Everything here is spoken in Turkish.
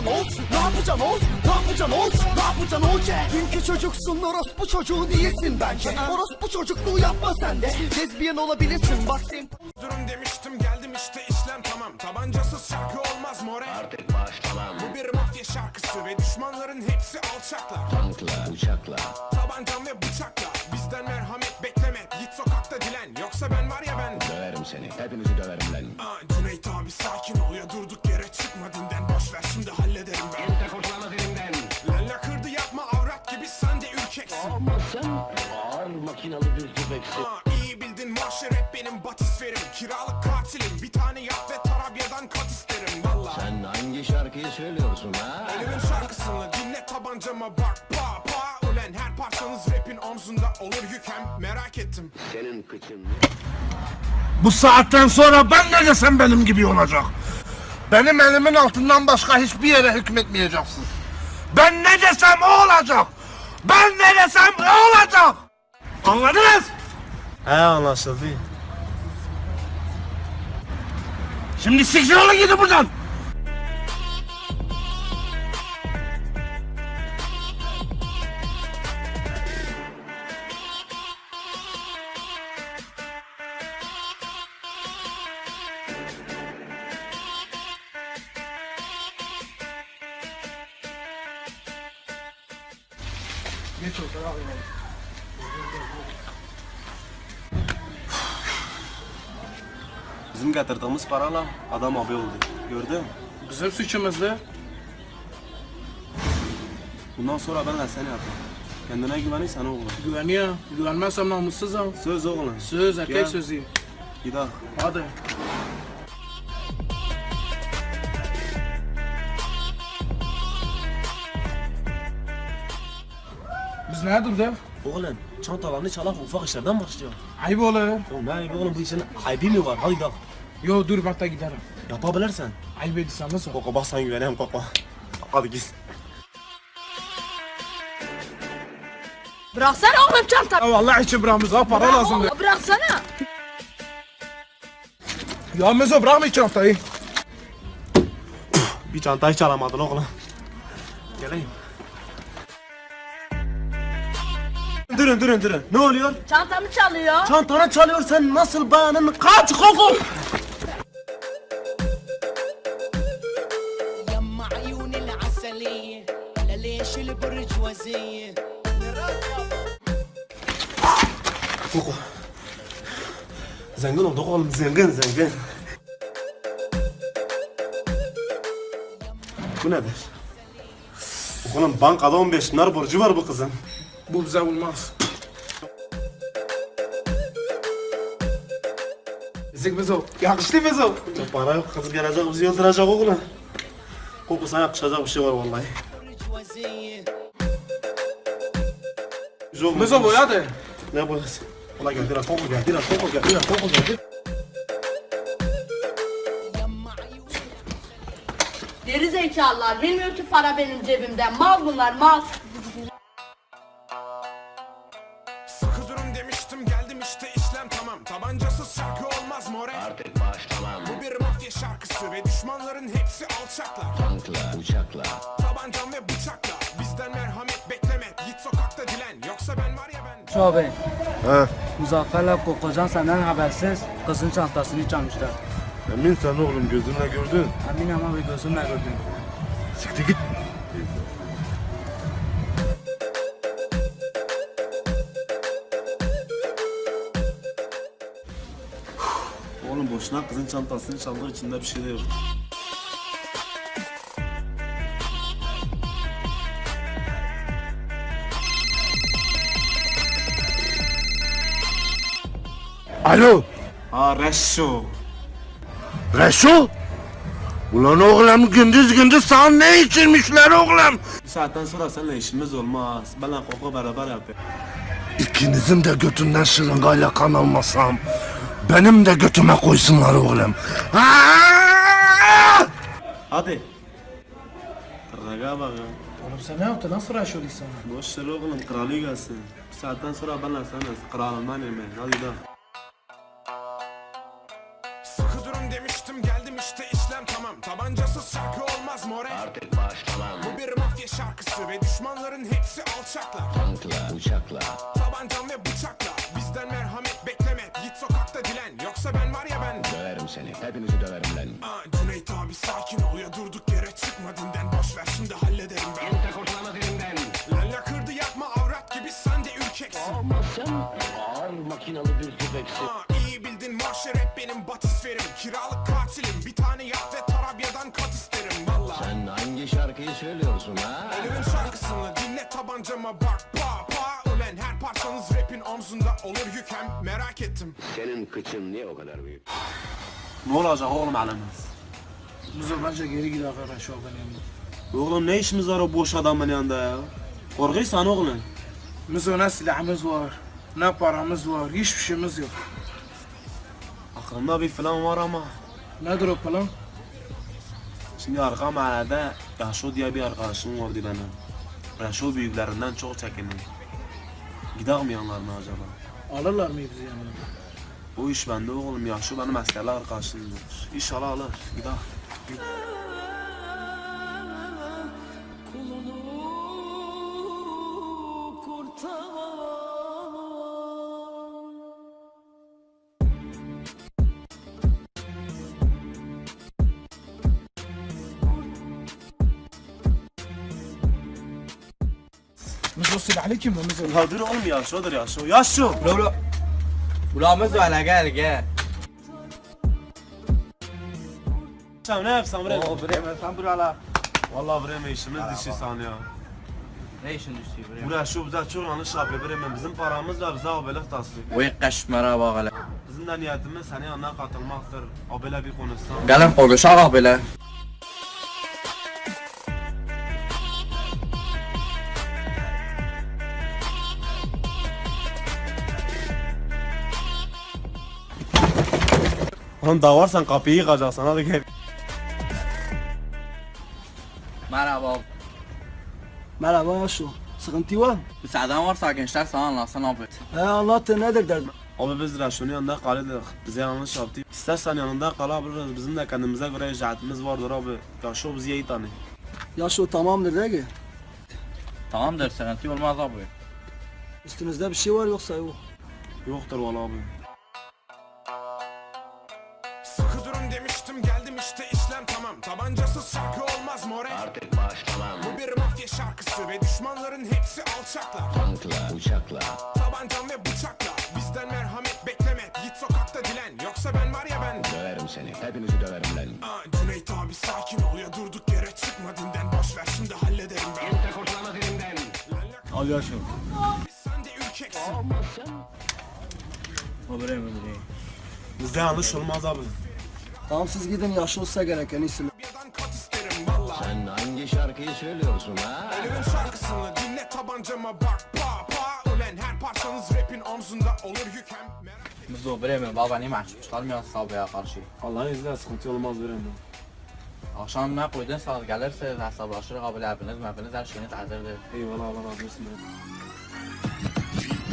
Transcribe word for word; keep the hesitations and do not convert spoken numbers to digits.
yapacaksın Oğuz? Ne yapacaksın Oğuz? Ne yapacaksın Oğuz? Ne yapacaksın Oğuz? Dünkü çocuksun, orospu çocuğu değilsin bence. Orospu çocukluğu yapma sen de. Lezbiyen olabilirsin bak sen. Durum demiştim geldim işte işlem tamam. Tabancasız şarkı olmaz more. Artık başlamam. Bu bir mafya şarkısı ve düşmanların hepsi alçaklar. Tankla, uçakla. Tabancam ve bıçakla bizden merhamet bekleme. Git sokakta dilen yoksa ben var ya ben. Döverim seni. Hepinizi döverim lan. Aa, Cüneyt abi sakin ol ya, durduk yere çıkma dinden. Boş ver şimdi hallederim ben. Kimse kurtulamaz elimden. Lalla kırdı yapma avrat gibi sen de ürkeksin. Ama sen ağır makinalı bir tüfeksin. Aa, iyi bildin mahşer hep benim batisferim. Kiralık katilim bir tane yap ve Tarabya'dan kat isterim valla. Sen hangi şarkıyı söylüyorsun ha? Elimin şarkısını dinle tabancama bak pa pa. Ulen her parçanız rapin omzunda olur yük hem merak ettim. Senin kıçın. Bu saatten sonra ben ne desem benim gibi olacak. Benim elimin altından başka hiçbir yere hükmetmeyeceksin. Ben ne desem o olacak. Ben ne desem o olacak. Anladınız? He anlaşıldı. Şimdi siktir olun gidin buradan. Geç otur abi. Bizim getirdiğimiz parayla adam abi oldu. Gördün mü? Bizim suçumuzdu. Bundan sonra benle seni yapma. Kendine güvenirsen oğlum. Güveniyor. Güvenmezsem namussuzum. Söz oğlum. Söz erkek Gel. sözü. Gidelim. Hadi. Biz ne durdu? Oğlum çantalarını çalak ufak işlerden başlıyor. Ayıp olur. Oğlum ne ayıbı oğlum, bu işin ayıbı mı var? Hadi gidelim. Yo dur ben de giderim. Yapabilirsen. Ayıp ediyorsan nasıl? Koko bak sen güveneyim Koko. Hadi git. Bıraksana oğlum çantamı. Ya vallahi içi bırakmış ha, para lazımdı. Oğlum bıraksana. Ya Mezo bırakma iki haftayı. Bir çantayı çalamadın oğlum. Geleyim. Durun durun durun. Ne oluyor? Çantamı çalıyor. Çantanı çalıyor, sen nasıl bayanın? Kaç Koko! يما عيون العسلية ولا ليش البرجوازية Koko. Zengin olduk oğlum, zengin zengin. Bu nedir? Oğlum bankada on beş dinar borcu var bu kızın. Bu bize olmaz. Ezik Mezo. Yakıştı Mezo. Çok para yok, kız gelecek bizi öldürecek oğlum. Koko sana yakışacak bir şey var vallahi. برجوازية Güzel olmuş. Mezo boya de. Ne boyası? Ulan geldi lan Koko, geldi lan Koko, geldi lan Koko, geldi. يما عيون Geri zekalılar. Bilmiyor ki para benim cebimden. Mal bunlar mal. Sıkı durum demiştim geldim işte işlem tamam. Tabancasız şarkı olmaz more. Artık başlamam. Bu bir mafya şarkısı ve düşmanların hepsi alçaklar. Tankla, uçakla. Tabancam ve bıçakla bizden merhamet bekleme. Git sokakta dilen yoksa ben var ya ben. Şu abi, He. Muzaffer'le Kokocan senden habersiz kızın çantasını çalmışlar. Emin sen oğlum, gözünle gördün. Emin ama bir gözümle gördüm. Siktir git. Oğlum boşuna kızın çantasını çaldığı içinde bir şey de yok. Alo. Ha Reşo. Reşo. Ulan oğlum, gündüz gündüz sana ne içirmişler oğlum? Bir saatten sonra seninle işimiz olmaz. Benle Koko beraber yapıyor. İkinizin de götünden şırıngayla kan almasam benim de götüme koysunlar oğlum. Aa! Hadi. Raga bak ya. Oğlum sen ne yaptın? Nasıl raş oldun sana? Boş ver oğlum, kralı gelsin. Bir saatten sonra benle sen kralından yemeyin. Hadi de. Sıkı durum demiştim geldim işte işlem tamam. Tabancasız şarkı olmaz more. Artık Artık başla lan. Bu bir mafya şarkısı ve düşmanların hepsi alçaklar. Tankla, uçakla. Tabancam ve bıçakla bizden merhamet bekleme. Git sokakta dilen yoksa ben var ya ben. Döverim seni. Hepinizi döverim lan. Aa, Cüneyt abi sakin ol ya durduk yere çıkma dinden. Boş ver şimdi hallederim ben. Kimse kurtulamaz elimden. Lalla kırdı yapma avrat gibi sen de ürkeksin. Ama sen ağır makinalı bir tüfeksin. Aa, iyi bildin marşer hep benim batisferim. Kiralık katilim bir tane yap ve Tarabya'dan kat isterim valla. Sen hangi şarkıyı söylüyorsun ha? Ölümün şarkısını dinle tabancama bak pa pa. Ulen her parçanız rapin omzunda olur yük hem merak ettim. Senin kıçın niye o kadar büyük? Ne olacak oğlum elimiz? Muzo bence geri git arkadaş o benim yanımda. Oğlum ne işimiz var o boş adamın yanında ya? Korkuyorsan oğlum. Muzo ne silahımız var, ne paramız var, hiçbir şeyimiz yok. Aklımda bir plan var ama. Nedir o plan? Şimdi arka mahallede Yaşo diye bir arkadaşım vardı benim. Yaşo büyüklerinden çok çekindim. Gidelim mi yanlarına acaba? Alırlar mı bizi yanına? O iş bende oğlum. Yaşo benim askerli arkadaşımdır. İnşallah alır. Gidelim. Muzo silahlı kim bu Muzo? Ya dur oğlum Yaşo'dur Yaşo. Yaşo! Bro bro. Buramız var la gel gel. Sen ne yapsan bre? O bre sen burala. Vallahi bre işimiz dişi sanıyor. Ne işin düştü bre? Bu Yaşo bize çok yanlış yapıyor bre. Bizim paramız var bize abelik taslıyor. Vay kaşmara bak hele. Bizim de niyetimiz senin yanına katılmaktır. Abele bir konuşsan. Gelin konuşalım böyle. Oğlum davarsan kapıyı yıkacaksın hadi gel. Merhaba. Merhaba Yaşo. Sıkıntı var? Müsaaden varsa gençler sana anlatsın abi. He anlattı nedir derdin? Abi biz Raşo'nun yanında kalıyorduk. Bize yanlış yaptı. İstersen yanında kalabiliriz. Bizim de kendimize göre icraatımız vardır abi. Yaşo bizi iyi tanıyor. Yaşo tamamdır değil mi? Tamamdır sıkıntı olmaz abi. Üstünüzde bir şey var yoksa yok. Yoktur valla abi. Sıkı durun demiştim geldim işte işlem tamam. Tabancasız şarkı olmaz more. Artık başla lan. Bu bir mafya şarkısı ve düşmanların hepsi alçaklar. Tankla, uçakla. Tabancam ve bıçakla bizden merhamet bekleme. Git sokakta dilen yoksa ben var ya ben. Döverim seni. Hepinizi döverim lan. Aa, Cüneyt abi sakin ol ya durduk yere çıkma dinden. Boş ver şimdi hallederim ben. Kimse kurtulamaz elimden. Al Yaşo. Sen de ürkeksin. O bre mi bre? Bizde yanlış olmaz abi. Tamam siz gidin Yaşo olsa gereken isim. Tarabya'dan kat isterim valla. Sen hangi şarkıyı söylüyorsun ha? Ölümün şarkısını dinle tabancama bak pa pa. Ulen her parçanız rapin omzunda olur yük hem merak. Biz o bre mi? Baba ne mahcup çıkarmıyor sabaya karşı. Allah'ın izniyle sıkıntı olmaz bre. Akşam ne koydun saat gelirse hesaplaşırız abi hepiniz hepiniz her şeyiniz hazırdır. Eyvallah Allah razı olsun.